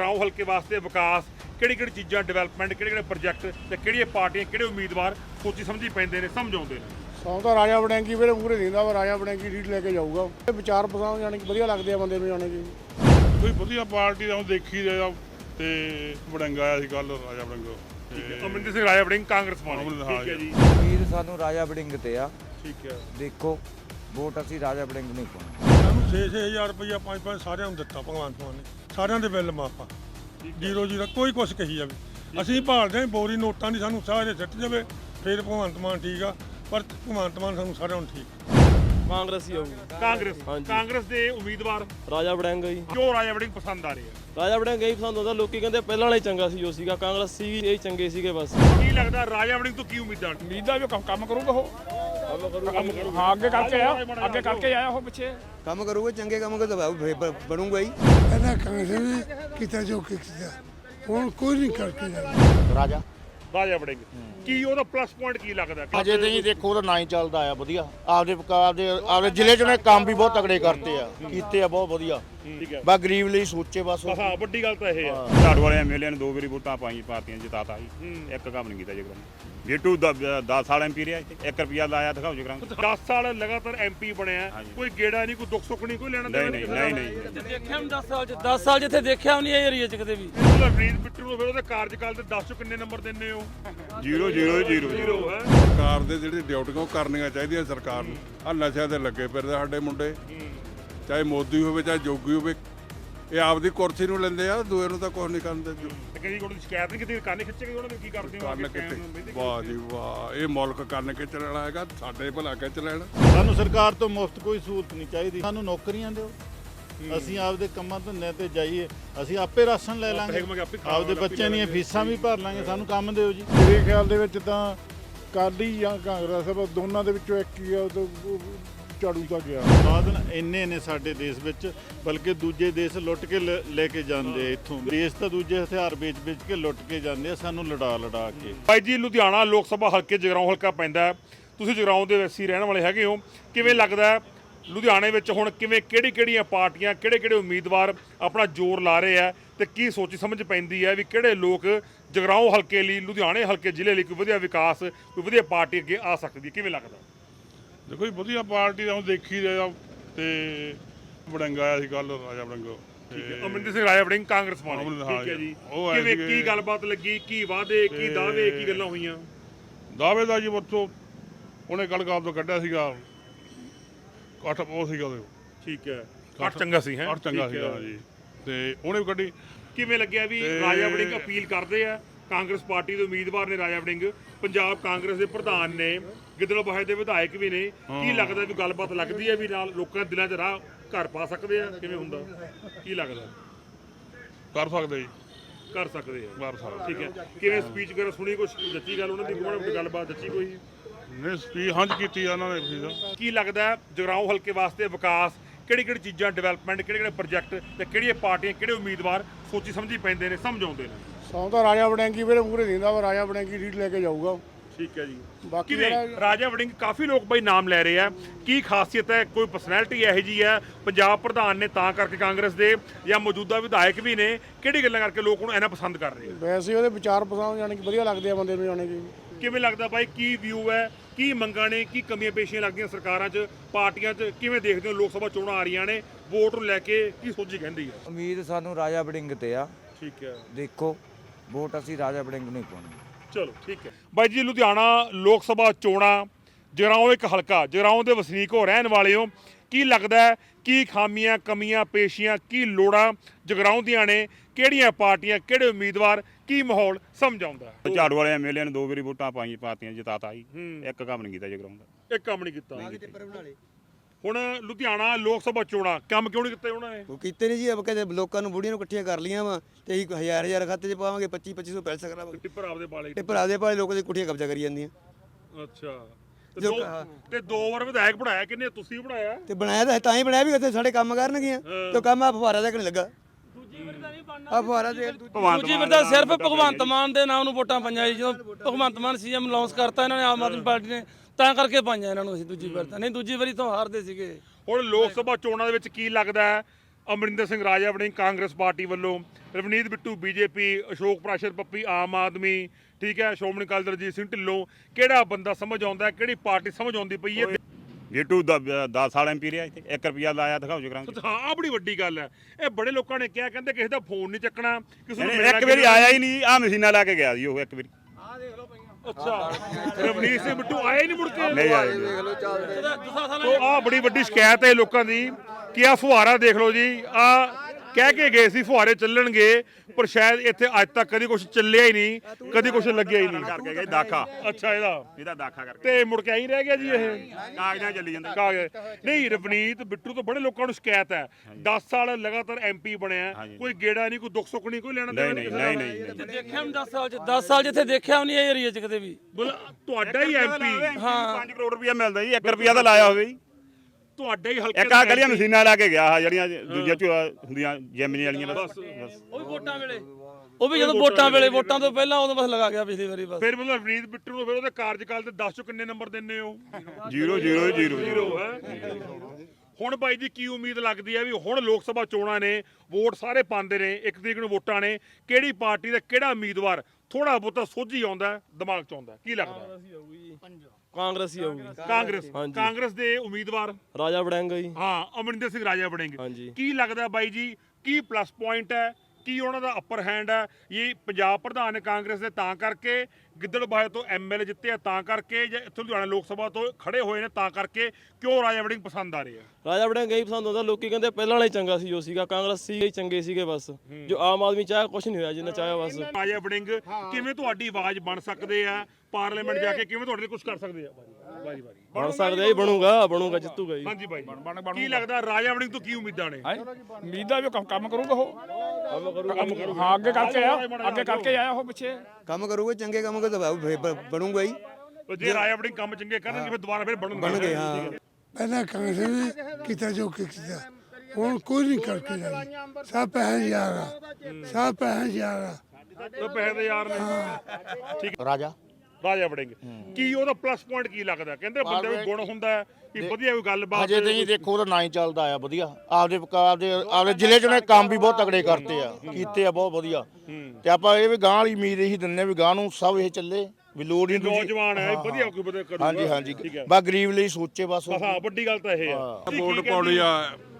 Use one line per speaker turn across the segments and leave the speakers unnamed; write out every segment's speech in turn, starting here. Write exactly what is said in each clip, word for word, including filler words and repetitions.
ਜਗਰਾਉਂ ਹਲਕੇ ਵਾਸਤੇ ਵਿਕਾਸ ਕਿਹੜੀ ਕਿਹੜੀ ਚੀਜ਼ਾਂ ਡਿਵੈਲਪਮੈਂਟ ਕਿਹੜੇ ਕਿਹੜੇ ਪ੍ਰੋਜੈਕਟ ਤੇ ਕਿਹੜੀਆਂ ਪਾਰਟੀਆਂ ਕਿਹੜੇ ਉਮੀਦਵਾਰ ਸੋਚੀ ਸਮਝੀ ਪੈਂਦੇ ਨੇ ਸਮਝਾਉਂਦੇ ਨੇ।
ਸੌਂ ਤਾਂ ਰਾਜਾ ਵੜੈਂਕੀ ਵੀਰੇ ਮੂਹਰੇ ਦਿੰਦਾ ਵਾ, ਰਾਜਾ ਵੜੈਂਕੀ ਰੀਟ ਲੈ ਕੇ ਜਾਊਗਾ। ਇਹ ਵਿਚਾਰ ਪਸੰਦ ਜਾਣੀ ਕਿ ਵਧੀਆ ਲੱਗਦੇ ਆ ਬੰਦੇ ਨੂੰ ਜਾਣੇ ਕਿ
ਕੋਈ ਵਧੀਆ ਪਾਰਟੀ ਦਾ ਹੁਣ ਦੇਖੀ ਜਾਇਆ ਤੇ ਵੜਿੰਗ ਆਇਆ ਸੀ ਕੱਲ ਰਾਜਾ ਵੜਿੰਗ।
ਅਮਰਿੰਦਰ ਸਿੰਘ ਰਾਜਾ ਵੜਿੰਗ ਕਾਂਗਰਸ ਪਾਰਟੀ।
ਠੀਕ ਹੈ
ਜੀ
ਉਮੀਦ ਸਾਨੂੰ ਰਾਜਾ ਵੜਿੰਗ ਤੇ ਆ।
ਠੀਕ ਹੈ,
ਦੇਖੋ ਵੋਟ ਅਸੀਂ ਰਾਜਾ ਵੜਿੰਗ ਨਹੀਂ ਪਾਉਣੀ।
ਸਾਨੂੰ ਛੇ ਛੇ ਹਜ਼ਾਰ ਰੁਪਈਆ ਪੰਜ ਪੰਜ ਸਾਰਿਆਂ ਨੂੰ ਦਿੱਤਾ ਭਗਵੰਤ ਮਾਨ ਨੇ, ਸਾਰਿਆਂ ਦੇ ਬਿੱਲ ਮਾਫਾ ਜੀਰੋ ਜੀਰੋ ਕੋਈ ਕੁਛ ਕਹੀ ਜਾਵੇ। ਅਸੀਂ ਭਾਲਦੇ ਹਾਂ ਬੋਰੀ ਨੋਟਾਂ ਦੀ ਸਾਨੂੰ ਸਾਰੇ ਸਿੱਟ ਜਾਵੇ ਫਿਰ ਭਗਵੰਤ ਮਾਨ ਠੀਕ ਆ, ਪਰ ਭਗਵੰਤ ਮਾਨ ਸਾਨੂੰ ਸਾਰਿਆਂ ਨੂੰ ਠੀਕ।
ਕਾਂਗਰਸ ਹੀ ਆਊਗੀ।
ਕਾਂਗਰਸ ਕਾਂਗਰਸ ਦੇ ਉਮੀਦਵਾਰ
ਰਾਜਾ ਵੜਿੰਗ ਜੀ।
ਕਿਉਂ ਰਾਜਾ ਵੜਿੰਗ ਪਸੰਦ ਆ ਰਹੇ ਆ?
ਰਾਜਾ ਵੜਿੰਗ ਹੀ ਪਸੰਦ ਆਉਂਦਾ। ਲੋਕੀ ਕਹਿੰਦੇ ਪਹਿਲਾਂ ਵਾਲਾ ਹੀ ਚੰਗਾ ਸੀ ਜੋ ਸੀਗਾ, ਕਾਂਗਰਸ ਸੀ ਇਹ ਚੰਗੇ ਸੀਗੇ ਬਸ।
ਕੀ ਲੱਗਦਾ ਰਾਜਾ ਵੜਿੰਗ ਤੋਂ ਕੀ ਉਮੀਦਾਂ?
ਉਮੀਦਾਂ ਜੋ ਕੰਮ ਕੰਮ ਕਰੂਗਾ ਉਹ
ਕੰਮ ਕਰੂਗਾ।
ਹਾਂ ਅੱਗੇ ਕਰਕੇ ਆਇਆ ਅੱਗੇ ਕਰਕੇ ਆਇਆ ਉਹ ਪਿੱਛੇ
ਕੰਮ ਕਰੂਗਾ, ਚੰਗੇ ਕੰਮ ਕਰ ਤਾਂ ਬਣੂਗਾ ਹੀ।
ਪਹਿਲਾਂ ਕਾਂਗਰਸ ਨੇ ਕੀਤਾ ਜੋ ਕੀਤਾ, ਹੁਣ ਕੋਈ ਨਹੀਂ ਕਰਕੇ ਜਾਂਦਾ।
ਰਾਜਾ
ਰਾਜਾ ਵੜਿੰਗ ਕੀ ਉਹਦਾ ਪਲੱਸ ਪੁਆਇੰਟ ਕੀ ਲੱਗਦਾ?
ਅਜੇ ਤੇ ਜੀ ਦੇਖੋ ਉਹਦਾ ਨਾਂ ਹੀ ਚੱਲਦਾ ਆ ਵਧੀਆ। ਆਪਦੇ ਆਪਦੇ ਆਪਦੇ ਜ਼ਿਲ੍ਹੇ 'ਚ ਉਹਨੇ ਕੰਮ ਵੀ ਬਹੁਤ ਤਗੜੇ ਕਰਤੇ ਆ, ਕੀਤੇ ਆ ਬਹੁਤ ਵਧੀਆ।
ਠੀਕ ਹੈ,
ਬਸ ਗਰੀਬ ਲਈ ਸੋਚੇ ਬਸ।
ਬਸ ਹਾਂ ਵੱਡੀ ਗੱਲ ਤਾਂ ਇਹ ਆ।
ਝਾੜੂ ਵਾਲੇ ਐਮਐਲਏ ਨੇ ਦੋ ਵਾਰੀ ਵੋਟਾਂ ਪਾਈਆਂ ਪਾਰਟੀਆਂ ਜਿਤਾਤਾ ਸੀ, ਇੱਕ ਕੰਮ ਨਹੀਂ ਕੀਤਾ ਜਗਰਾਂ। ਜੇਟੂ ਦਸ ਸਾਲ ਐਮਪੀ ਰਿਹਾ, ਇੱਕ ਰੁਪਿਆ ਲਾਇਆ ਦਿਖਾਓ ਜਗਰਾਂ।
ਦਸ ਸਾਲ ਲਗਾਤਾਰ ਐਮਪੀ ਬਣਿਆ, ਕੋਈ ਗੇੜਾ ਨਹੀਂ, ਕੋਈ ਦੁੱਖ ਸੁੱਖ ਨਹੀਂ, ਕੋਈ ਲੈਣਾ
ਨਹੀਂ ਨਹੀਂ ਨਹੀਂ ਨਹੀਂ
ਦੇਖਿਆ ਵੀ ਦਸ ਸਾਲ ਚ ਦਸ ਸਾਲ ਜਿੱਥੇ ਦੇਖਿਆ ਵੀ ਨਹੀਂ ਇਹ ਏਰੀਆ ਚ ਕਦੇ ਵੀ।
ਲਵਰੀਨ ਬਿੱਟੂ ਨੂੰ ਫਿਰ ਉਹਦੇ ਕਾਰਜਕਾਲ ਤੇ ਦਸ ਚੋਂ ਕਿੰਨੇ ਨੰਬਰ ਦਿੰਦੇ ਹੋ?
ਜੀਰੋ ਜੀਰੋ ਜੀਰੋ
ਜ਼ੀਰੋ ਹੈ।
ਸਰਕਾਰ ਦੇ ਜਿਹੜੇ ਡਿਊਟੀਆਂ ਉਹ ਕਰਨੀਆਂ ਚਾਹੀਦੀਆਂ ਸਰਕਾਰ ਨੂੰ। ਆ ਨਸ਼ਿਆਂ ਦੇ ਲੱਗੇ ਫਿਰਦੇ ਸਾਡੇ ਮੁੰਡੇ, ਚਾਹੇ ਮੋਦੀ ਹੋਵੇ ਚਾਹੇ ਜੋਗੀ ਹੋਵੇ, ਇਹ ਆਪਦੀ ਕੁਰਸੀ ਨੂੰ ਲੈਂਦੇ ਆ, ਦੂਏ ਨੂੰ ਤਾਂ ਕੁਝ ਨਹੀਂ ਕਰਦੇ।
ਤੇ ਕਦੀ ਕੋਈ ਸ਼ਿਕਾਇਤ ਨਹੀਂ ਕੀਤੀ? ਕੰਨ ਖਿੱਚ ਕੇ ਉਹਨਾਂ ਨੇ ਕੀ ਕਰਦੇ ਹੋ?
ਕੰਨ ਕਿਤੇ ਵਾਹ ਜੀ ਵਾਹ, ਇਹ ਮੁਲਕ ਕੰਨ ਖਿੱਚ ਲੈਣਾ ਹੈਗਾ, ਸਾਡੇ ਭਲਾ ਖਿੱਚ ਲੈਣਾ।
ਸਾਨੂੰ ਸਰਕਾਰ ਤੋਂ ਮੁਫਤ ਕੋਈ ਸਹੂਲਤ ਨਹੀਂ ਚਾਹੀਦੀ, ਸਾਨੂੰ ਨੌਕਰੀਆਂ ਦਿਓ, ਅਸੀਂ ਆਪਦੇ ਕੰਮਾਂ ਧੰਦਿਆਂ ਤੇ ਜਾਈਏ, ਅਸੀਂ ਆਪੇ ਰਾਸ਼ਨ ਲੈ ਲਾਂਗੇ, ਆਪਦੇ ਬੱਚਿਆਂ ਦੀਆਂ ਫੀਸਾਂ ਵੀ ਭਰ ਲਾਂਗੇ, ਸਾਨੂੰ ਕੰਮ ਦਿਓ ਜੀ।
ਮੇਰੇ ਖਿਆਲ ਦੇ ਵਿੱਚ ਤਾਂ ਅਕਾਲੀ ਜਾਂ ਕਾਂਗਰਸ ਦੋਨਾਂ ਦੇ ਵਿੱਚੋਂ ਇੱਕ ਹੀ ਆ, ਉਹ ਝਾੜੂ ਤਾਂ ਗਿਆ।
ਸਾਧਨ ਇੰਨੇ ਨੇ ਸਾਡੇ ਦੇਸ਼ ਵਿੱਚ, ਬਲਕਿ ਦੂਜੇ ਦੇਸ਼ ਲੁੱਟ ਕੇ ਲੈ ਲੈ ਕੇ ਜਾਂਦੇ ਆ ਇੱਥੋਂ। ਦੇਸ਼ ਤਾਂ ਦੂਜੇ ਹਥਿਆਰ ਵੇਚ ਵੇਚ ਕੇ ਲੁੱਟ ਕੇ ਜਾਂਦੇ ਆ, ਸਾਨੂੰ ਲੜਾ ਲੜਾ ਕੇ।
ਭਾਈ ਜੀ ਲੁਧਿਆਣਾ ਲੋਕ ਸਭਾ ਹਲਕੇ ਜਗਰਾਉਂ ਹਲਕਾ ਪੈਂਦਾ ਹੈ, ਤੁਸੀਂ ਜਗਰਾਉਂ ਦੇ ਵੈਸੀ ਰਹਿਣ ਵਾਲੇ ਹੈਗੇ ਹੋ, ਕਿਵੇਂ ਲੱਗਦਾ ਲੁਧਿਆਣੇ ਵਿੱਚ ਹੁਣ ਕਿਵੇਂ ਕਿਹੜੀ ਕਿਹੜੀਆਂ ਪਾਰਟੀਆਂ ਕਿਹੜੇ ਕਿਹੜੇ ਉਮੀਦਵਾਰ ਆਪਣਾ ਜ਼ੋਰ ਲਾ ਰਹੇ ਆ ਤੇ ਕੀ ਸੋਚੀ ਸਮਝ ਪੈਂਦੀ ਹੈ ਵੀ ਕਿਹੜੇ ਲੋਕ ਜਗਰਾਉਂ ਹਲਕੇ ਲਈ ਲੁਧਿਆਣੇ ਹਲਕੇ ਜ਼ਿਲ੍ਹੇ ਲਈ ਕੋਈ ਵਧੀਆ ਵਿਕਾਸ ਕੋਈ ਵਧੀਆ ਪਾਰਟੀ ਅੱਗੇ ਆ ਸਕਦੀ ਹੈ? ਕਿਵੇਂ ਲੱਗਦਾ?
ਦੇਖੋ ਜੀ ਵਧੀਆ ਪਾਰਟੀ ਦਾ ਹੁਣ ਦੇਖੀ ਜਾਇਆ ਤੇ ਵੜਿੰਗ ਆਇਆ ਸੀ ਕੱਲ ਰਾਜਾ ਵੜਿੰਗ।
ਅਮਰਿੰਦਰ ਸਿੰਘ ਰਾਜਾ ਵੜਿੰਗ ਕਾਂਗਰਸ ਪਾਰਟੀ।
ਅਮਰਿੰਦਰ
ਠੀਕ ਹੈ ਜੀ,
ਉਹ ਆਏ
ਕਿਵੇਂ
ਸੀਗੇ।
ਕੀ ਗੱਲਬਾਤ ਲੱਗੀ, ਕੀ ਵਾਅਦੇ ਕੀ ਦਾਅਵੇ ਕੀ ਗੱਲਾਂ ਹੋਈਆਂ?
ਦਾਅਵੇ ਦਾ ਜੀ ਬੱਚੋ ਉਹਨੇ ਗਲਗਾਬ ਤੋਂ ਕੱਢਿਆ ਸੀਗਾ, ਕੱਠ ਉਹ ਸੀਗਾ ਉਹਦੇ।
ਠੀਕ ਹੈ, ਕੱਟ ਚੰਗਾ ਸੀ ਹੈ,
ਕੱਠ ਚੰਗਾ ਸੀਗਾ ਜੀ, ਤੇ ਉਹਨੇ ਵੀ ਕੱਢੀ।
ਕਿਵੇਂ ਲੱਗਿਆ ਵੀ ਰਾਜਾ ਵੜਿੰਗ ਅਪੀਲ ਕਰਦੇ ਆ? ਕਾਂਗਰਸ ਪਾਰਟੀ ਦੇ ਉਮੀਦਵਾਰ ਨੇ ਰਾਜਾ ਵੜਿੰਗ, ਪੰਜਾਬ ਕਾਂਗਰਸ ਦੇ ਪ੍ਰਧਾਨ ਨੇ, ਗਿੱਦੜਬਾਹੇ ਦੇ ਵਿਧਾਇਕ ਵੀ ਨੇ। ਕੀ ਲੱਗਦਾ ਵੀ ਗੱਲਬਾਤ ਲੱਗਦੀ ਹੈ ਵੀ ਨਾਲ ਲੋਕਾਂ ਦੇ ਦਿਲਾਂ 'ਚ ਰਾਹ ਘਰ ਪਾ ਸਕਦੇ ਆ? ਕਿਵੇਂ ਹੁੰਦਾ, ਕੀ ਲੱਗਦਾ?
ਕਰ ਸਕਦੇ ਜੀ,
ਕਰ ਸਕਦੇ ਆ,
ਕਰ ਸਕਦੇ।
ਠੀਕ ਹੈ। ਕਿਵੇਂ ਸਪੀਚ ਵਗੈਰਾ ਸੁਣੀ, ਕੁਛ ਜੱਚੀ ਗੱਲ ਉਹਨਾਂ ਦੀ ਕੋਈ ਗੱਲਬਾਤ ਜੱਚੀ ਕੋਈ?
ਨਹੀਂ ਸਪੀਚ ਹਾਂਜੀ ਕੀਤੀ ਆ ਉਹਨਾਂ ਨੇ।
ਕੀ ਲੱਗਦਾ ਜਗਰਾਉਂ ਹਲਕੇ ਵਾਸਤੇ ਵਿਕਾਸ ਕਿਹੜੀ ਕਿਹੜੀ ਚੀਜ਼ਾਂ ਡਿਵੈਲਪਮੈਂਟ ਕਿਹੜੇ ਕਿਹੜੇ ਪ੍ਰੋਜੈਕਟ ਤੇ ਕਿਹੜੀਆਂ ਪਾਰਟੀਆਂ ਕਿਹੜੇ ਉਮੀਦਵਾਰ ਸੋਚੀ ਸਮਝੀ ਪੈਂਦੇ ਨੇ ਸਮਝਾਉਂਦੇ ਨੇ?
ਸੌਂ ਤਾਂ ਰਾਜਾ ਵੜੈਂਕੀ ਵੀਰੇ ਮੂਹਰੇ ਦਿੰਦਾ ਵਾ, ਰਾਜਾ ਵੜੈਂਕੀ ਰੀਟ ਲੈ ਕੇ ਜਾਊਗਾ।
ਠੀਕ ਹੈ ਜੀ।
ਬਾਕੀ
ਕਿਵੇਂ
ਜਿਹੜਾ
ਰਾਜਾ ਵੜਿੰਗ ਕਾਫੀ ਲੋਕ ਬਈ ਨਾਮ ਲੈ ਰਹੇ ਆ, ਕੀ ਖਾਸੀਅਤ ਹੈ? ਕੋਈ ਪਰਸਨੈਲਿਟੀ ਇਹੋ ਜੀ ਹੈ ਪੰਜਾਬ ਪ੍ਰਧਾਨ ਨੇ ਤਾਂ ਕਰਕੇ ਕਾਂਗਰਸ ਦੇ, ਜਾਂ ਮੌਜੂਦਾ ਵਿਧਾਇਕ ਵੀ ਨੇ, ਕਿਹੜੀ ਗੱਲਾਂ ਕਰਕੇ ਲੋਕ ਉਹਨੂੰ ਇੰਨਾ ਪਸੰਦ ਕਰ ਰਹੇ ਆ?
ਵੈਸੇ ਉਹਦੇ ਵਿਚਾਰ ਪਸੰਦ ਜਾਣੀ ਕਿ ਵਧੀਆ ਲੱਗਦੇ ਆ ਬੰਦੇ ਨੂੰ ਜਾਣੇ ਕਿ
ਕਿਵੇਂ ਲੱਗਦਾ ਬਾਈ, ਕੀ ਵਿਊ ਹੈ, ਕੀ ਮੰਗਾਂ ਨੇ, ਕੀ ਕਮੀਆਂ ਪੇਸ਼ੀਆਂ ਲੱਗਦੀਆਂ ਸਰਕਾਰਾਂ 'ਚ ਪਾਰਟੀਆਂ 'ਚ? ਕਿਵੇਂ ਦੇਖਦੇ ਹੋ ਲੋਕ ਸਭਾ ਚੋਣਾਂ ਆ ਰਹੀਆਂ ਨੇ, ਵੋਟ ਨੂੰ ਲੈ ਕੇ ਕੀ ਸੋਚੀ ਕਹਿੰਦੀ ਹੈ?
ਉਮੀਦ ਸਾਨੂੰ ਰਾਜਾ ਵੜਿੰਗ ਤੇ ਆ।
ਠੀਕ ਹੈ,
ਦੇਖੋ ਵੋਟ ਅਸੀਂ ਰਾਜਾ ਵੜਿੰਗ ਨਹੀਂ ਪਾਉਣੀ।
ਚਲੋ ਠੀਕ ਹੈ ਬਾਈ ਜੀ। ਲੁਧਿਆਣਾ ਲੋਕ ਸਭਾ ਚੋਣਾਂ, ਜਗਰਾਉਂ ਇੱਕ ਹਲਕਾ, ਜਗਰਾਉਂ ਦੇ ਵਸਨੀਕ ਹੋ ਰਹਿਣ ਵਾਲੇ ਹੋ, ਕੀ ਲੱਗਦਾ ਕੀ ਖਾਮੀਆਂ ਕਮੀਆਂ ਪੇਸ਼ੀਆਂ ਕੀ ਲੋੜਾਂ ਜਗਰਾਉਂ ਦੀਆਂ ਨੇ? ਕਿਹੜੀਆਂ ਪਾਰਟੀਆਂ ਕਿਹੜੇ ਉਮੀਦਵਾਰ ਕੀ ਮਾਹੌਲ ਸਮਝਾਉਂਦਾ?
ਝਾੜੂ ਵਾਲੇ ਐਮਐਲਏ ਨੇ ਦੋ ਵਾਰੀ ਵੋਟਾਂ ਪਾਈਆਂ ਪਾਰਟੀਆਂ ਜਿਤਾਤਾ ਸੀ, ਇੱਕ ਕੰਮ ਨਹੀਂ ਕੀਤਾ ਜਗਰਾਂ ਦਾ।
ਇੱਕ ਕੰਮ ਨਹੀਂ ਕੀਤਾ। ਹੁਣ ਲੁਧਿਆਣਾ ਲੋਕ ਸਭਾ ਚੋਣਾਂ ਕੰਮ ਕਿਉਂ ਨਹੀਂ ਕੀਤੇ ਉਹਨਾਂ ਨੇ?
ਉਹ ਕੀਤੇ ਨਹੀਂ ਜੀ, ਅਬ ਕਹਿੰਦੇ ਲੋਕਾਂ ਨੂੰ ਬੁੜੀਆਂ ਨੂੰ ਇਕੱਠੀਆਂ ਕਰ ਲੀਆਂ ਵਾ ਤੇ ਅਸੀਂ ਹਜ਼ਾਰ ਹਜ਼ਾਰ ਖਾਤੇ 'ਚ ਪਾਵਾਂਗੇ, ਪੱਚੀ ਪੱਚੀ ਸੌ ਪੈਸਾ ਕਰਾਵਾਂਗੇ।
ਟਿੱਪਰ ਆਪਦੇ ਪਾਲੇ
ਤੇ ਭਰਾ ਦੇ ਭਾਲੇ ਲੋਕਾਂ ਦੀ ਕੁੱਠੀਆਂ ਕਬਜ਼ਾ ਕਰੀ ਜਾਂਦੀਆਂ।
ਅੱਛਾ, ਤੇ ਦੋ ਤੇ ਦੋ ਵਾਰ ਵਿਧਾਇਕ ਬਣਾਇਆ ਕਿੰਨੇ? ਤੁਸੀਂ ਬਣਾਇਆ
ਤੇ ਬਣਾਇਆ ਤਾਂ ਤਾਂ ਹੀ ਬਣਾਇਆ ਵੀ ਉੱਥੇ ਸਾਡੇ ਕੰਮ ਕਰਨਗੀਆਂ, ਤੇ ਕੰਮ ਆ ਫੁਹਾਰਾ ਦਾ ਕਿਉਂ ਲੱਗਾ? ਆ ਫੁਹਾਰਾ ਦੇ
ਦੂਜੀ ਵਾਰ ਤਾਂ ਸਿਰਫ ਭਗਵੰਤ ਮਾਨ ਦੇ ਨਾਮ ਨੂੰ ਵੋਟਾਂ ਪਾਈਆਂ ਜੀ। ਜਦੋਂ ਭਗਵੰਤ ਮਾਨ ਸੀਐਮ ਅਨਾਉਂਸ ਕਰਤਾ ਇਹਨਾਂ ਨੇ, ਆਮ ਆਦਮੀ ਪਾਰਟੀ ਨੇ, ਤਾਂ ਕਰਕੇ ਪਾਈਆਂ ਇਹਨਾਂ ਨੂੰ ਅਸੀਂ ਦੂਜੀ ਵਾਰ ਤਾਂ। ਨਹੀਂ ਦੂਜੀ ਵਾਰੀ ਤਾਂ ਹਾਰਦੇ ਸੀਗੇ।
ਹੁਣ ਲੋਕ ਸਭਾ ਚੋਣਾਂ ਦੇ ਵਿੱਚ ਕੀ ਲੱਗਦਾ ਹੈ ਅਮਰਿੰਦਰ ਸਿੰਘ ਰਾਜਾ ਵੜਿੰਗ ਕਾਂਗਰਸ ਪਾਰਟੀ ਵੱਲੋਂ, ਰਵਨੀਤ ਬਿੱਟੂ ਬੀਜੇਪੀ, ਅਸ਼ੋਕ ਪ੍ਰਾਸ਼ਰ ਪੱਪੀ ਆਮ ਆਦਮੀ, ਠੀਕ ਹੈ, ਸ਼੍ਰੋਮਣੀ ਅਕਾਲੀ ਦਲ ਰਣਜੀਤ ਸਿੰਘ ਢਿੱਲੋਂ, ਕਿਹੜਾ ਬੰਦਾ ਸਮਝ ਆਉਂਦਾ, ਕਿਹੜੀ ਪਾਰਟੀ ਸਮਝ ਆਉਂਦੀ ਪਈ ਹੈ?
ਜੇਟੂ ਦਸ ਸਾਲ ਐਮਪੀ ਰਿਹਾ ਇੱਥੇ ਇੱਕ ਰੁਪਿਆ ਲਾਇਆ ਦਿਖਾਓ ਜਗਰਾਂ
ਹਾਂ ਆਹ ਬੜੀ ਵੱਡੀ ਗੱਲ ਹੈ। ਇਹ ਬੜੇ ਲੋਕਾਂ ਨੇ ਕਿਹਾ, ਕਹਿੰਦੇ ਕਿਸੇ ਦਾ ਫੋਨ ਨਹੀਂ ਚੱਕਣਾ, ਕਿਸੇ ਨੂੰ
ਇੱਕ ਵਾਰੀ ਆਇਆ ਹੀ ਨਹੀਂ, ਆ ਮਸ਼ੀਨਾਂ ਲਾ ਕੇ ਗਿਆ ਜੀ ਉਹ ਇੱਕ ਵਾਰੀ।
ਅੱਛਾ ਰਵਨੀਤ ਸਿੰਘ ਬਿੱਟੂ ਆਏ ਨਹੀਂ ਮੁੜ ਕੇ?
ਨਹੀਂ ਆਏ
ਤੋ ਆਹ ਬੜੀ ਵੱਡੀ ਸ਼ਿਕਾਇਤ ਹੈ ਲੋਕਾਂ ਦੀ ਕਿ ਆਹ ਫੁਹਾਰਾ ਦੇਖ ਲਓ ਜੀ, ਆਹ ਕਹਿ ਕੇ ਗਏ ਸੀ ਫੁਹਾਰੇ ਚੱਲਣਗੇ, ਪਰ ਸ਼ਾਇਦ ਇੱਥੇ ਅੱਜ ਤੱਕ ਕਦੀ ਕੁਝ ਚੱਲਿਆ ਹੀ ਨਹੀਂ, ਕਦੀ ਕੁਝ ਲੱਗਿਆ ਹੀ ਨਹੀਂ।
ਕਰਕੇ ਗਏ ਦਾਖਾ,
ਅੱਛਾ ਇਹਦਾ
ਇਹਦਾ ਦਾਖਾ ਕਰਕੇ
ਤੇ ਮੁੜ ਕੇ ਆਈ ਰਹਿ ਗਿਆ ਜੀ ਇਹ
ਕਾਗਜ਼ਾਂ ਚੱਲੀ ਜਾਂਦੇ।
ਕਾਗਜ਼ ਨਹੀਂ, ਰਵਨੀਤ ਬਿੱਟੂ ਤੋਂ ਬੜੇ ਲੋਕਾਂ ਨੂੰ ਸ਼ਿਕਾਇਤ ਹੈ, ਦਸ ਸਾਲ ਲਗਾਤਾਰ ਐਮਪੀ ਬਣਿਆ, ਕੋਈ ਗੇੜਾ ਨਹੀਂ, ਕੋਈ ਦੁੱਖ ਸੁੱਖ ਨਹੀਂ, ਕੋਈ ਲੈਣਾ
ਨਹੀਂ ਨਹੀਂ ਨਹੀਂ ਨਹੀਂ
ਦੇਖਿਆ ਵੀ ਦਸ ਸਾਲ ਚ ਦਸ ਸਾਲ ਜਿੱਥੇ ਦੇਖਿਆ ਵੀ ਨਹੀਂ ਇਹ ਏਰੀਆ ਚ ਕਿਤੇ ਵੀ।
ਤੁਹਾਡਾ ਹੀ ਐਮਪੀ,
ਹਾਂ ਪੰਜ ਕਰੋੜ ਰੁਪਇਆ ਮਿਲਦਾ ਜੀ, ਇੱਕ ਰੁਪਿਆ ਤਾਂ ਲਾਇਆ ਹੋਵੇ ਜੀ।
ਤੁਹਾਡਾ ਹੀ ਹਲਕੇ
ਇੱਕ ਆ ਗਲੀਆਂ ਮਸ਼ੀਨਾਂ ਲਾ ਕੇ ਗਿਆ ਆ ਜਿਹੜੀਆਂ ਦੂਜੀਆਂ ਚ ਹੁੰਦੀਆਂ ਜੈਮਨੀ ਵਾਲੀਆਂ ਬਸ।
ਉਹ ਵੀ ਵੋਟਾਂ ਵੇਲੇ, ਉਹ ਵੀ ਜਦੋਂ ਵੋਟਾਂ ਵੇਲੇ, ਵੋਟਾਂ ਤੋਂ ਪਹਿਲਾਂ ਉਦੋਂ ਬਸ ਲਗਾ ਗਿਆ ਪਿਛਲੀ ਵਾਰੀ ਬਸ।
ਫਿਰ ਮਤਲਬ ਰਵਨੀਤ ਬਿੱਟੂ ਨੂੰ ਫਿਰ ਉਹਦੇ ਕਾਰਜਕਾਲ ਦੇ ਦਸ ਚੋਂ ਕਿੰਨੇ ਨੰਬਰ ਦਿੰਨੇ ਹੋ?
ਜ਼ੀਰੋ ਜ਼ੀਰੋ ਜ਼ੀਰੋ
ਜ਼ੀਰੋ ਹੈ। ਹੁਣ ਬਾਈ ਜੀ ਕੀ ਉਮੀਦ ਲੱਗਦੀ ਹੈ ਵੀ ਹੁਣ ਲੋਕ ਸਭਾ ਚੋਣਾਂ ਨੇ, ਵੋਟ ਸਾਰੇ ਪਾਉਂਦੇ ਨੇ, ਇੱਕ ਤਰੀਕ ਨੂੰ ਵੋਟਾਂ ਨੇ, ਕਿਹੜੀ ਪਾਰਟੀ ਦਾ ਕਿਹੜਾ ਉਮੀਦਵਾਰ ਥੋੜਾ ਬਹੁਤਾ ਸੋਝੀ ਆਉਂਦਾ, ਦਿਮਾਗ ਚ ਆਉਂਦਾ, ਕੀ ਲੱਗਦਾ?
ਕਾਂਗਰਸ ਹੀ ਆਊਗੀ।
ਕਾਂਗਰਸ ਕਾਂਗਰਸ ਦੇ ਉਮੀਦਵਾਰ
ਰਾਜਾ ਵੜਿੰਗ ਜੀ।
ਹਾਂ ਅਮਰਿੰਦਰ ਸਿੰਘ ਰਾਜਾ ਵੜਿੰਗ।
ਹਾਂਜੀ।
ਕੀ ਲੱਗਦਾ ਬਾਈ ਜੀ, ਕੀ ਪਲੱਸ ਪੁਆਇੰਟ ਹੈ, ਕੀ ਉਹਨਾਂ ਦਾ ਅਪਰ ਹੈਂਡ ਹੈ? ਇਹ ਪੰਜਾਬ ਪ੍ਰਧਾਨ ਨੇ ਕਾਂਗਰਸ ਦੇ ਤਾਂ ਕਰਕੇ, ਗਿੱਦੜਬਾਹੇ ਤੋਂ ਐਮਐਲਏ ਜਿੱਤੇ ਆ ਤਾਂ ਕਰਕੇ, ਜਾਂ ਇੱਥੋਂ ਲੁਧਿਆਣਾ ਲੋਕ ਸਭਾ ਤੋਂ ਖੜੇ ਹੋਏ ਨੇ ਤਾਂ ਕਰਕੇ, ਕਿਉਂ ਰਾਜਾ ਵੜਿੰਗ ਪਸੰਦ ਆ ਰਹੇ ਆ?
ਰਾਜਾ ਵੜਿੰਗ ਹੀ ਪਸੰਦ ਆਉਂਦਾ, ਲੋਕੀ ਕਹਿੰਦੇ ਪਹਿਲਾਂ ਵਾਲਾ ਹੀ ਚੰਗਾ ਸੀ ਜੋ ਸੀਗਾ, ਕਾਂਗਰਸ ਸੀ ਚੰਗੇ ਸੀਗੇ ਬਸ, ਜੋ ਆਮ ਆਦਮੀ ਚਾਹਿਆ ਕੁਝ ਨਹੀਂ ਹੋਇਆ ਜਿੰਨਾ ਚਾਹਿਆ ਬਸ।
ਰਾਜਾ ਵੜਿੰਗ ਕਿਵੇਂ ਤੁਹਾਡੀ ਆਵਾਜ਼ ਬਣ ਸਕਦੇ ਆ ਪਾਰਲੀਮੈਂਟ ਜਾ ਕੇ, ਕਿਵੇਂ ਤੁਹਾਡੇ ਲਈ ਕੁਝ ਕਰ ਸਕਦੇ ਆ? ਵਾਰੀ ਵਾਰੀ
ਬਣ ਸਕਦਾ ਹੀ, ਬਣੂਗਾ ਬਣੂਗਾ ਜਿੱਤੂਗਾ ਜੀ।
ਹਾਂਜੀ ਬਾਈ ਕੀ ਲੱਗਦਾ ਰਾਜਾ ਵੜਿੰਗ ਤੋਂ ਕੀ ਉਮੀਦਾਂ ਨੇ?
ਉਮੀਦ ਆ ਵੀ ਕੰਮ ਕੰਮ ਕਰੂਗਾ ਉਹ, ਕੰਮ ਕਰੂ। ਹਾਂ ਅੱਗੇ ਕਰਕੇ ਆਇਆ, ਅੱਗੇ ਕਰਕੇ ਆਇਆ ਉਹ ਪਿੱਛੇ।
ਕੰਮ ਕਰੂਗੇ, ਚੰਗੇ ਕੰਮ ਕਰੂਗੇ ਤਾਂ ਫਿਰ ਬ- ਬਣੂਗਾ ਹੀ।
ਜੇ ਰਾਜਾ ਵੜਿੰਗ ਕੰਮ ਚੰਗੇ ਕਰਨਗੇ ਫਿਰ ਦੁਬਾਰਾ ਫਿਰ ਬਣਨਗੇ।
ਬਣਨਗੇ ਹਾਂ।
ਪਹਿਲਾਂ ਕਾਂਗਰਸ ਨੇ ਕੀਤਾ ਜੋ ਕੀਤਾ, ਹੁਣ ਕੋਈ ਨਹੀਂ ਕਰਕੇ ਰਾਜੀ। ਸਭ ਪੈਸੇ ਯਾਰ ਆ, ਸਭ ਪੈਸੇ ਯਾਰ ਆ।
ਤਾਂ ਪੈਸੇ ਦੇ ਯਾਰ ਨੇ।
ਰਾਜਾ
ਰਾਜਾ ਵੜਿੰਗ ਕੀ ਉਹਦਾ ਪਲੱਸ ਪੁਆਇੰਟ ਕੀ ਲੱਗਦਾ? ਕਹਿੰਦੇ ਬੰਦੇ ਵਿੱਚ ਗੁਣ ਹੁੰਦਾ ਹੈ ਕਿ ਵਧੀਆ ਕੋਈ ਗੱਲਬਾਤ।
ਹਜੇ ਤੇ ਜੀ ਦੇਖੋ ਉਹਦਾ ਨਾਂ ਹੀ ਚੱਲਦਾ ਆ ਵਧੀਆ, ਆਪਦੇ ਆਪਦੇ ਆਪਦੇ ਜ਼ਿਲ੍ਹੇ 'ਚ ਉਹਨੇ ਕੰਮ ਵੀ ਬਹੁਤ ਤਗੜੇ ਕਰਤੇ ਆ, ਕੀਤੇ ਆ ਬਹੁਤ ਵਧੀਆ। ਤੇ ਆਪਾਂ ਇਹ ਵੀ ਗਾਂ ਵਾਲੀ ਉਮੀਦ ਇਹੀ ਦਿੰਦੇ ਵੀ ਗਾਂ ਨੂੰ ਸਭ ਇਹ ਚੱਲੇ, ਵੀ ਲੋੜ ਨਹੀਂ ਦੂਜੀ।
ਨੌਜਵਾਨ ਹੈ ਵਧੀਆ ਕੋਈ ਵਧੀਆ ਕਰੂਗਾ।
ਹਾਂਜੀ ਹਾਂਜੀ ਬਸ ਗਰੀਬ ਲਈ ਸੋਚੇ ਬਸ।
ਹਾਂ ਵੱਡੀ ਗੱਲ ਤਾਂ ਇਹ ਆ।
ਵੋਟ ਪਾਉਣੀ ਆ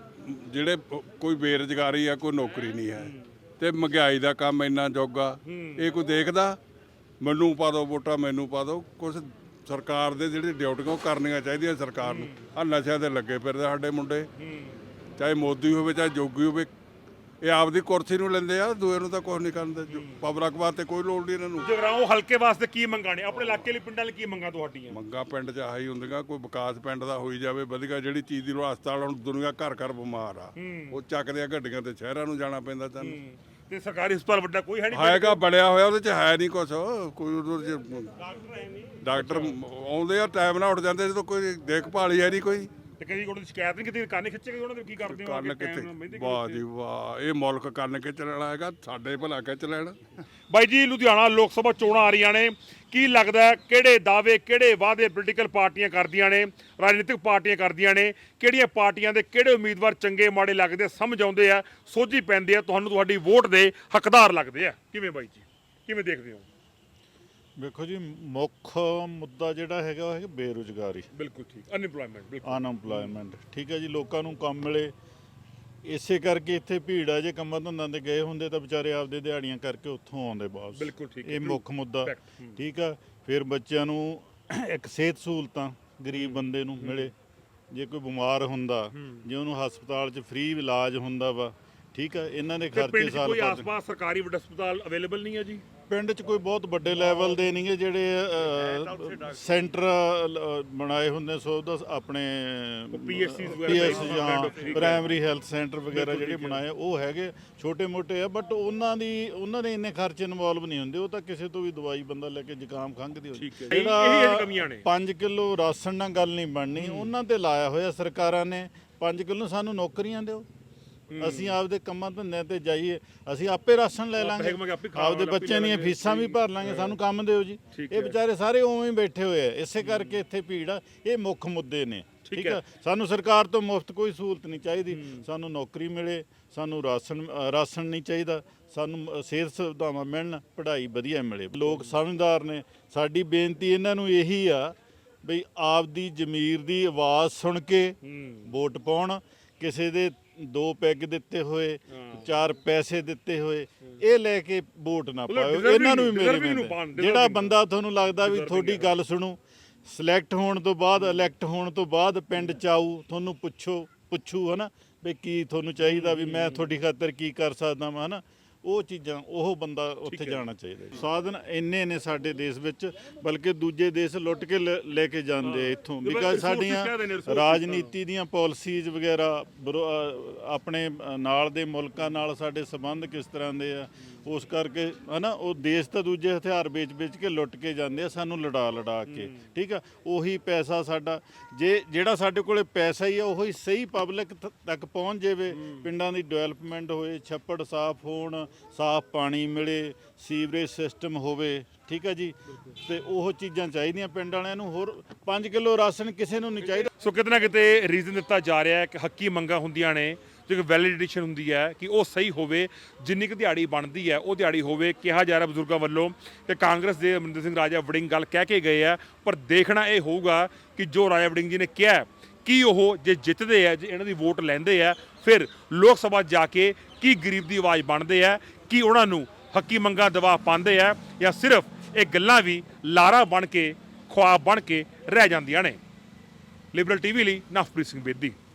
ਜਿਹੜੇ ਕੋਈ ਬੇਰੁਜ਼ਗਾਰੀ ਆ, ਕੋਈ ਨੌਕਰੀ ਨਹੀਂ ਹੈ, ਤੇ ਮਹਿੰਗਾਈ ਦਾ ਕੰਮ ਇੰਨਾ ਜੋਗਾ, ਇਹ ਕੋਈ ਦੇਖਦਾ? ਮੈਨੂੰ ਪਾ ਦਿਓ ਵੋਟਾਂ, ਮੈਨੂੰ ਪਾ ਦਿਓ। ਕੁਛ ਸਰਕਾਰ ਦੇ ਜਿਹੜੇ ਡਿਊਟੀਆਂ ਉਹ ਕਰਨੀਆਂ ਚਾਹੀਦੀਆਂ ਸਰਕਾਰ ਨੂੰ। ਆ ਨਸ਼ਿਆਂ ਦੇ ਲੱਗੇ ਫਿਰਦੇ ਸਾਡੇ ਮੁੰਡੇ, ਚਾਹੇ ਮੋਦੀ ਹੋਵੇ ਚਾਹੇ ਜੋਗੀ ਹੋਵੇ, ਇਹ ਆਪਦੀ ਕੁਰਸੀ ਨੂੰ ਲੈਂਦੇ ਆ, ਦੂਏ ਨੂੰ ਤਾਂ ਕੁਝ ਨਹੀਂ ਕਰਦੇ। ਪਬਲਿਕ ਵਾਸਤੇ ਕੋਈ ਲੋੜ ਨਹੀਂ ਇਹਨਾਂ ਨੂੰ।
ਜਗਰਾਉਂ ਹਲਕੇ ਵਾਸਤੇ ਕੀ ਮੰਗਾਂ ਨੇ? ਆਪਣੇ ਇਲਾਕੇ ਲਈ ਪਿੰਡਾਂ ਲਈ ਕੀ ਮੰਗਾਂ ਤੁਹਾਡੀਆਂ?
ਮੰਗਾਂ ਪਿੰਡ 'ਚ ਆਹੀ ਹੁੰਦੀਆਂ, ਕੋਈ ਵਿਕਾਸ ਪਿੰਡ ਦਾ ਹੋਈ ਜਾਵੇ ਵਧੀਆ, ਜਿਹੜੀ ਚੀਜ਼ ਦੀ ਲੋੜ। ਹਸਪਤਾਲ ਹੁਣ ਦੁਨੀਆ ਘਰ ਘਰ ਬਿਮਾਰ ਆ, ਉਹ ਚੱਕਦੇ ਆ ਗੱਡੀਆਂ ਤੇ ਸ਼ਹਿਰਾਂ ਨੂੰ ਜਾਣਾ ਪੈਂਦਾ ਸਾਨੂੰ।
ਤੇ ਸਰਕਾਰੀ ਹਸਪਤਾਲ ਵੱਡਾ ਕੋਈ ਹੈ ਨਹੀਂ?
ਹੈਗਾ ਬਣਿਆ ਹੋਇਆ, ਉਹਦੇ 'ਚ ਹੈ ਨਹੀਂ ਕੁਛ, ਕੋਈ ਉਹਦੇ 'ਚ ਡਾਕਟਰ ਆਉਂਦੇ ਆ ਟਾਈਮ ਨਾਲ ਉੱਠ ਜਾਂਦੇ, ਜਦੋਂ ਕੋਈ ਦੇਖਭਾਲ ਹੀ ਹੈ ਨਹੀਂ ਕੋਈ।
ਤੇ ਕਦੀ ਕੋਈ ਸ਼ਿਕਾਇਤ ਨਹੀਂ ਕੀਤੀ? ਕੰਨ ਖਿੱਚੇ ਉਹਨਾਂ ਦੇ ਕੀ ਕਰਦੇ ਹੋ?
ਕੰਨ ਕਿੱਥੇ, ਵਾਹ ਜੀ ਵਾਹ, ਇਹ ਮੁਲਕ ਕੰਨ ਖਿੱਚ ਲੈਣਾ ਹੈਗਾ, ਸਾਡੇ ਭਲਾ ਖਿੱਚ ਲੈਣ।
ਬਾਈ ਜੀ ਲੁਧਿਆਣਾ ਲੋਕ ਸਭਾ ਚੋਣਾਂ ਆ ਰਹੀਆਂ ਨੇ, ਕੀ ਲੱਗਦਾ ਹੈ ਕਿਹੜੇ ਦਾਅਵੇ ਕਿਹੜੇ ਵਾਅਦੇ ਪੋਲੀਟੀਕਲ ਪਾਰਟੀਆਂ ਕਰਦੀਆਂ ਨੇ, ਰਾਜਨੀਤਿਕ ਪਾਰਟੀਆਂ ਕਰਦੀਆਂ ਨੇ, ਕਿਹੜੀਆਂ ਪਾਰਟੀਆਂ ਦੇ ਕਿਹੜੇ ਉਮੀਦਵਾਰ ਚੰਗੇ ਮਾੜੇ ਲੱਗਦੇ, ਸਮਝ ਆਉਂਦੇ ਆ, ਸੋਝੀ ਪੈਂਦੀ ਆ, ਤੁਹਾਨੂੰ ਤੁਹਾਡੀ ਵੋਟ ਦੇ ਹੱਕਦਾਰ ਲੱਗਦੇ ਆ? ਕਿਵੇਂ ਬਾਈ ਜੀ, ਕਿਵੇਂ ਦੇਖਦੇ ਹੋ?
ਵੇਖੋ ਜੀ, ਮੁੱਖ ਮੁੱਦਾ ਜਿਹੜਾ ਹੈਗਾ ਉਹ ਹੈਗਾ ਬੇਰੁਜ਼ਗਾਰੀ।
ਬਿਲਕੁਲ ਠੀਕ, ਅਨਇੰਪਲੋਇਮੈਂਟ, ਬਿਲਕੁਲ
ਅਨਐਮਪਲੋਇਮੈਂਟ। ਠੀਕ ਹੈ ਜੀ, ਲੋਕਾਂ ਨੂੰ ਕੰਮ ਮਿਲੇ, ਇਸੇ ਕਰਕੇ ਇੱਥੇ ਭੀੜ ਆ। ਜੇ ਕੰਮਾਂ ਧੰਦਾਂ ਤੇ ਗਏ ਹੁੰਦੇ ਤਾਂ ਵਿਚਾਰੇ ਆਪਦੇ ਦਿਹਾੜੀਆਂ ਕਰਕੇ ਉੱਥੋਂ ਆਉਂਦੇ ਬਾਅਦ।
ਬਿਲਕੁਲ ਠੀਕ,
ਇਹ ਮੁੱਖ ਮੁੱਦਾ। ਠੀਕ ਆ, ਫਿਰ ਬੱਚਿਆਂ ਨੂੰ ਇੱਕ ਸਿਹਤ ਸਹੂਲਤਾਂ ਗਰੀਬ ਬੰਦੇ ਨੂੰ ਮਿਲੇ। ਜੇ ਕੋਈ ਬਿਮਾਰ ਹੁੰਦਾ, ਜੇ ਉਹਨੂੰ ਹਸਪਤਾਲ 'ਚ ਫ੍ਰੀ ਇਲਾਜ ਹੁੰਦਾ ਵਾ, ਠੀਕ ਆ, ਇਹਨਾਂ ਦੇ ਖਰਚੇ ਸਾਲ
ਕੋਈ ਆਸ-ਪਾਸ ਸਰਕਾਰੀ ਵੱਡਾ ਹਸਪਤਾਲ ਅਵੇਲੇਬਲ ਨਹੀਂ ਹੈ ਜੀ?
ਪਿੰਡ 'ਚ ਕੋਈ ਬਹੁਤ ਵੱਡੇ ਲੈਵਲ ਦੇ ਨਹੀਂਗੇ, ਜਿਹੜੇ ਸੈਂਟਰ ਬਣਾਏ ਹੁੰਦੇ ਸੋ ਉਹਦਾ ਆਪਣੇ
ਪੀਐਸਸੀ
ਪੀਐਸ ਜਾਂ ਪ੍ਰਾਇਮਰੀ ਹੈਲਥ ਸੈਂਟਰ ਵਗੈਰਾ ਜਿਹੜੇ ਬਣਾਏ ਉਹ ਹੈਗੇ, ਛੋਟੇ ਮੋਟੇ ਆ, ਬਟ ਉਹਨਾਂ ਦੀ ਉਹਨਾਂ ਦੇ ਇੰਨੇ ਖਰਚੇ ਇਨਵੋਲਵ ਨਹੀਂ ਹੁੰਦੇ। ਉਹ ਤਾਂ ਕਿਸੇ ਤੋਂ ਵੀ ਦਵਾਈ ਬੰਦਾ ਲੈ ਕੇ ਜ਼ੁਕਾਮ ਖੰਘ ਦੀ ਹੋ ਜਿਹੜਾ ਪੰਜ ਕਿਲੋ ਰਾਸ਼ਨ ਨਾਲ ਗੱਲ ਨਹੀਂ ਬਣਨੀ, ਉਹਨਾਂ ਤੇ ਲਾਇਆ ਹੋਇਆ ਸਰਕਾਰਾਂ ਨੇ। ਪੰਜ ਕਿਲੋ ਸਾਨੂੰ ਨੌਕਰੀਆਂ ਦਿਓ, ਅਸੀਂ ਆਪਦੇ ਕੰਮਾਂ ਧੰਦਿਆਂ ਤੇ ਜਾਈਏ, ਅਸੀਂ ਆਪੇ ਰਾਸ਼ਨ ਲੈ ਲਾਂਗੇ, ਆਪਦੇ ਬੱਚਿਆਂ ਦੀਆਂ ਫੀਸਾਂ ਵੀ ਭਰ ਲਾਂਗੇ, ਸਾਨੂੰ ਕੰਮ ਦਿਓ ਜੀ। ਇਹ ਵਿਚਾਰੇ ਸਾਰੇ ਉਵੇਂ ਹੀ ਬੈਠੇ ਹੋਏ ਆ, ਇਸੇ ਕਰਕੇ ਇੱਥੇ ਭੀੜ ਆ। ਇਹ ਮੁੱਖ ਮੁੱਦੇ ਨੇ। ਠੀਕ ਹੈ ਸਾਨੂੰ ਸਰਕਾਰ ਤੋਂ ਮੁਫਤ ਕੋਈ ਸਹੂਲਤ ਨਹੀਂ ਚਾਹੀਦੀ ਸਾਨੂੰ ਨੌਕਰੀ ਮਿਲੇ ਸਾਨੂੰ ਰਾਸ਼ਨ ਅ, ਰਾਸ਼ਨ ਨਹੀਂ ਚਾਹੀਦਾ ਸਾਨੂੰ ਅ, ਸਿਹਤ ਸੁਵਿਧਾਵਾਂ ਮਿਲਣ ਪੜ੍ਹਾਈ ਵਧੀਆ ਮਿਲੇ ਲੋਕ ਸਮਝਦਾਰ ਨੇ ਸਾਡੀ ਬੇਨਤੀ ਇਹਨਾਂ ਨੂੰ ਇਹੀ ਆ ਬਈ ਆਪਦੀ ਜ਼ਮੀਰ ਦੀ ਆਵਾਜ਼ ਸੁਣ ਕੇ ਵੋਟ ਪਾਉਣ ਕਿਸੇ ਦੇ ਦੋ ਪੈਗ ਦਿੱਤੇ ਹੋਏ ਚਾਰ ਪੈਸੇ ਦਿੱਤੇ ਹੋਏ ਇਹ ਲੈ ਕੇ ਵੋਟ ਨਾ ਪਾਓ ਇਹਨਾਂ ਨੂੰ ਵੀ ਮੇਰੇ ਬੇਨਤੀ ਜਿਹੜਾ ਬੰਦਾ ਤੁਹਾਨੂੰ ਲੱਗਦਾ ਵੀ ਤੁਹਾਡੀ ਗੱਲ ਸੁਣੂ ਸਿਲੈਕਟ ਹੋਣ ਤੋਂ ਬਾਅਦ ਇਲੈਕਟ ਹੋਣ ਤੋਂ ਬਾਅਦ ਪਿੰਡ ਚ ਆਊ ਤੁਹਾਨੂੰ ਪੁੱਛੋ ਪੁੱਛੂ ਹਨਾ ਵੀ ਕੀ ਤੁਹਾਨੂੰ ਚਾਹੀਦਾ ਵੀ ਮੈਂ ਤੁਹਾਡੀ ਖਾਤਰ ਕੀ ਕਰ ਸਕਦਾ ਮੈਂ ਹਨਾ ਉਹ ਚੀਜ਼ਾਂ ਉਹ ਬੰਦਾ ਉੱਥੇ ਜਾਣਾ ਚਾਹੀਦਾ ਸਾਧਨ ਇੰਨੇ ਨੇ ਸਾਡੇ ਦੇਸ਼ ਵਿੱਚ ਬਲਕਿ ਦੂਜੇ ਦੇਸ਼ ਲੁੱਟ ਕੇ ਲੈ ਲੈ ਕੇ ਜਾਂਦੇ ਆ ਇੱਥੋਂ ਬਿਕਾਜ਼ ਸਾਡੀਆਂ ਰਾਜਨੀਤੀ ਦੀਆਂ ਪਾਲਿਸੀਜ਼ ਵਗੈਰਾ ਵਿਰੋ- ਅ, ਆਪਣੇ ਅ, ਨਾਲ ਦੇ ਮੁਲਕਾਂ ਨਾਲ ਸਾਡੇ ਸੰਬੰਧ ਕਿਸ ਤਰ੍ਹਾਂ ਦੇ ਆ ਉਸ ਕਰਕੇ ਹਨਾ ਉਹ ਦੇਸ਼ ਤਾਂ ਦੂਜੇ ਹਥਿਆਰ ਵੇਚ-ਵੇਚ ਕੇ ਲੁੱਟ ਕੇ ਜਾਂਦੇ ਆ ਸਾਨੂੰ ਲੜਾ ਲੜਾ ਕੇ ਠੀਕ ਆ ਉਹੀ ਪੈਸਾ ਸਾਡਾ ਜੇ ਜਿਹੜਾ ਸਾਡੇ ਕੋਲੇ ਪੈਸਾ ਹੀ ਆ ਉਹੀ ਸਹੀ ਪਬਲਿਕ ਤੱਕ ਪਹੁੰਚ ਜਾਵੇ ਪਿੰਡਾਂ ਦੀ ਡਿਵੈਲਪਮੈਂਟ ਹੋਏ ਛੱਪੜ ਸਾਫ਼ ਹੋਣ ਸਾਫ਼ ਪਾਣੀ ਮਿਲੇ ਸੀਵਰੇਜ ਸਿਸਟਮ ਹੋਵੇ ਠੀਕ ਹੈ ਜੀ ਤੇ ਉਹ ਚੀਜ਼ਾਂ ਚਾਹੀਦੀਆਂ ਪਿੰਡ ਵਾਲਿਆਂ ਨੂੰ ਹੋਰ ਪੰਜ ਕਿਲੋ ਰਾਸ਼ਨ ਕਿਸੇ ਨੂੰ ਨਹੀਂ ਚਾਹੀਦਾ
ਸੋ ਕਿਤੇ ਨਾ ਕਿਤੇ ਰੀਜ਼ਨ ਦਿੱਤਾ ਜਾ ਰਿਹਾ ਹੈ ਕਿ ਹੱਕੀ ਮੰਗਾਂ ਹੁੰਦੀਆਂ ਨੇ ਜੋ ਕਿ ਵੈਲੀਡੇਸ਼ਨ ਹੁੰਦੀ ਹੈ ਕਿ ਉਹ ਸਹੀ ਹੋਵੇ ਜਿੰਨੀ ਕੁ ਦਿਹਾੜੀ ਬਣਦੀ ਹੈ ਉਹ ਦਿਹਾੜੀ ਹੋਵੇ ਕਿਹਾ ਜਾ ਰਿਹਾ ਬਜ਼ੁਰਗਾਂ ਵੱਲੋਂ ਕਿ ਕਾਂਗਰਸ ਦੇ ਅਮਰਿੰਦਰ ਸਿੰਘ ਰਾਜਾ ਵੜਿੰਗ ਗੱਲ ਕਹਿ ਕੇ ਗਏ ਆ ਪਰ ਦੇਖਣਾ ਇਹ ਹੋਊਗਾ ਕਿ ਜੋ ਰਾਜਾ ਵੜਿੰਗ ਜੀ ਨੇ ਕਿਹਾ ਕੀ ਉਹ ਜੇ ਜਿੱਤਦੇ ਆ ਜੇ ਇਹਨਾਂ ਦੀ ਵੋਟ ਲੈਂਦੇ ਆ ਫਿਰ ਲੋਕ ਸਭਾ ਜਾ ਕੇ ਕੀ ਗਰੀਬ ਦੀ ਆਵਾਜ਼ ਬਣਦੇ ਆ ਕੀ ਉਹਨਾਂ ਨੂੰ ਹੱਕੀ ਮੰਗਾਂ ਦਵਾ ਪਾਉਂਦੇ ਆ ਜਾਂ ਸਿਰਫ ਇਹ ਗੱਲਾਂ ਵੀ ਲਾਰਾ ਬਣ ਕੇ ਖੁਆਬ ਬਣ ਕੇ ਰਹਿ ਜਾਂਦੀਆਂ ਨੇ। ਲਿਬਰਲ ਟੀਵੀ ਲਈ ਨਵਪ੍ਰੀਤ ਸਿੰਘ ਬੇਦੀ।